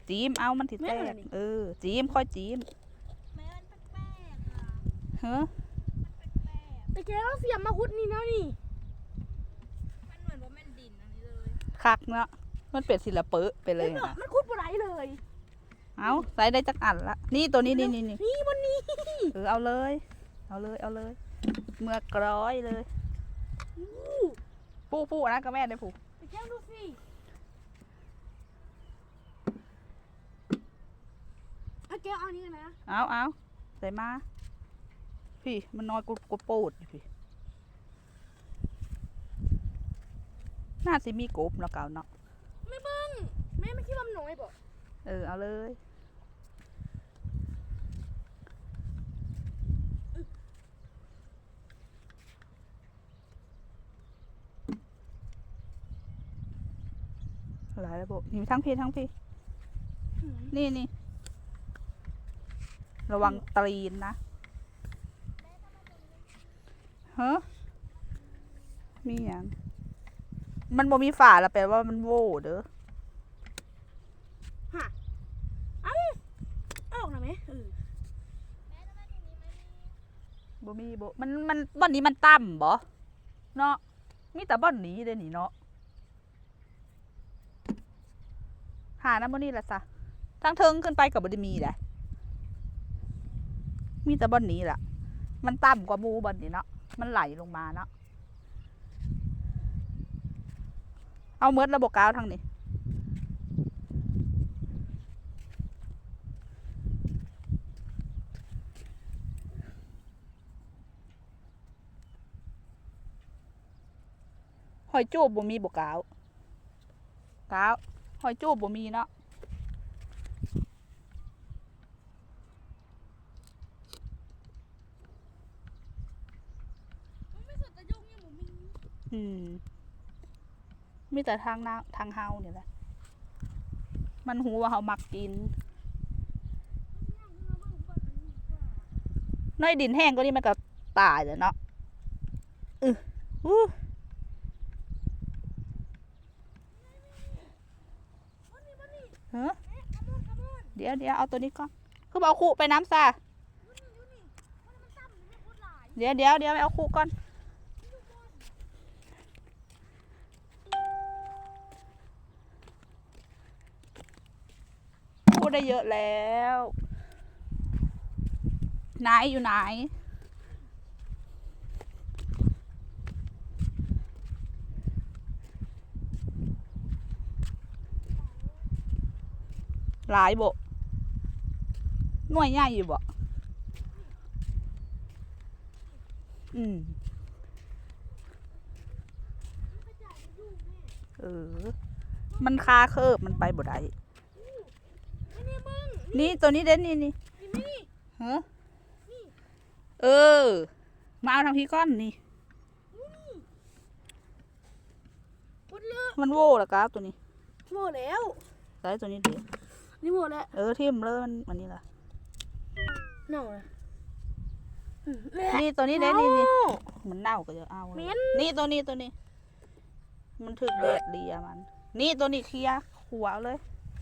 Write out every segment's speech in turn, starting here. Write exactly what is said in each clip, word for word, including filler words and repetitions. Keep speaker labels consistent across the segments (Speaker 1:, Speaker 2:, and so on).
Speaker 1: จีมเอามันติดแตกเออจีมค่อยจีม
Speaker 2: แม่มันแปลกๆอ่ะ
Speaker 1: เฮ้อ
Speaker 2: แต่แกก็เสียมมาคุดนี่นะนี่มันเหมือนว่ามันดินอันนี้เลย
Speaker 1: คักเนาะมันเป็นศิลปะไปเลยนะ
Speaker 2: มันคุดบ่ได้เลย
Speaker 1: เอาใส่ได้จักอันละนี่ตัวนี้นี่นี่นี่
Speaker 2: นี่บนนี้
Speaker 1: เออเอาเลยเอาเลยเอาเลยเมื่อกร้อยเลยปูปูนะกับแม่ได้ปู
Speaker 2: ไปแก้ดูสิเอาแก้วเอานี่กันนะ
Speaker 1: เอาเอาใส่มาพี่มันน้อยกูกูโปดพี่น่าสิมีกบเนาะเก่าเนาะ
Speaker 2: ไม่เบิ้งแม่ไม่คิดว่ามันน้อยบ่
Speaker 1: เออเอาเลยหลายระบบนี่ทั้งพี่ทั้งพี่นี่นี่ระวังตีนนะเฮ้มีอย่างมันบ่มีฝาละแปลว่ามันโว่เด้อ
Speaker 2: ฮะเอ้าออกหน่อยไหมเออ
Speaker 1: บ่มีบ่มันมันบ่อนนี้มันต่ำบ่เนาะมีแต่บ่อนนี้เด้นี่เนาะหาน้ำบ่นี่ละซะทั้งเทิงขึ้นไปกับบ่ได้มีแหละมีแต่บ่อนนี้ล่ะมันต่ำกว่าหมู่บ่อนนี้เนาะมันไหลลงมาเนาะเอาเมิดระบบกาวทางนี้หอยจูบบ่มีบกกาวกาวหอยจูบบ่มีเนาะอืมมีแต่ทางนาทางเฮาเนี่ยแหละมันหูว่าเฮามักกินน้อยดินแห้งก็นี่มันก็ตายเลยเนาะอืออู้เฮ้อเดี๋ยวเดี๋ยวเอาตัวนี้ก่อนคือเอาคู่ไปน้ำซาเดี๋ยวเดี๋ยวเดี๋ยวไปเอาคู่ก่อนคู่ได้เยอะแล้วไหนอยู่ไหนหลายบ่หน่วยใหญ่อยู่บ่อืมเออมันคาเคิบมันไปบ่ได้นี่ตัวนี้เด่นนี่นี่เฮ้อเออมาเอาทางพี่ก้อนนี่มันโว่ละก้าตัวนี้
Speaker 2: โม่แล้ว
Speaker 1: ใส่ตัวนี้เดี๋ยว
Speaker 2: นี่โม่แล้ว
Speaker 1: เออทิ่มเลยมันมันนี่ล่ะ
Speaker 2: เน่าเลย
Speaker 1: นี่ตัวนี้เด่นนี่นี่มันเน่าก็จะเอานี่ตัวนี้ตัวนี้มันถึกแดดดีอะมันนี่ตัวนี้เคลียร์หัวเลย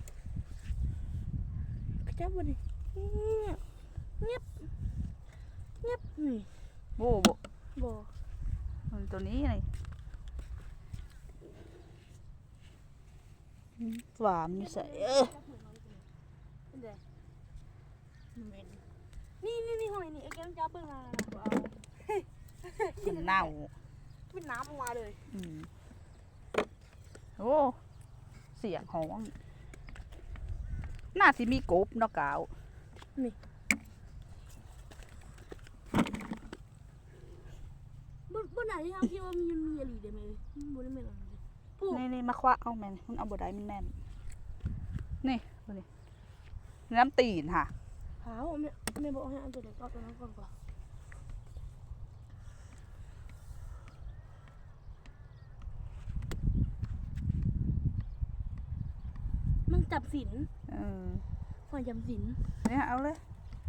Speaker 2: จับมันดิเงียบเงียบนี่
Speaker 1: โบ่โบ่
Speaker 2: โบ่
Speaker 1: มันตัวนี้ไงหวานนี่ใส่เออ
Speaker 2: นี่นี่นี่หอยนี่ไอ้แกต้องจับเบิ่งมาเอา
Speaker 1: มันเน่า
Speaker 2: เป็นน้ำออกมาเลย
Speaker 1: อืมโอ้เสียงห้องน่าสิมีกบเนาะกาว
Speaker 2: นี่บนบนไหนที่เขาคิดว่ามีมีอะไรเดี๋ยวมั้ยบนได้ไหมล่ะ
Speaker 1: นี่นี่มาคว้าเอาแมนมันเอาบดได้มันแน่นนี่ดูนี่น้ำตีนค่ะ
Speaker 2: หาไม่ไม่บอกให้อันตัวเล็กเอาตัวนั้นก่อนก่อนมันจับสิน
Speaker 1: เออ
Speaker 2: หอยจับสิน
Speaker 1: เนี่ยเอาเลย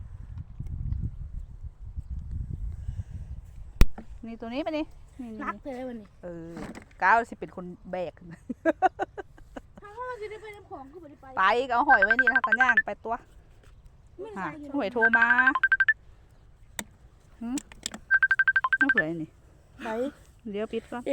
Speaker 1: นี่ตัวนี้ไปนี่
Speaker 2: นักเลยวันนี้
Speaker 1: เออก้าวสิเป็นคนแบก
Speaker 2: ถ้าว่าจะจะได้ไปน้ำของคือบ่ได้ไป
Speaker 1: ไปก็เอาหอยไว้นี่แล้วกันย่างไปตัวหาหอยโทรมาหืมน้ำเผือยนี่
Speaker 2: ไป
Speaker 1: เดี๋ยวปิดก่อน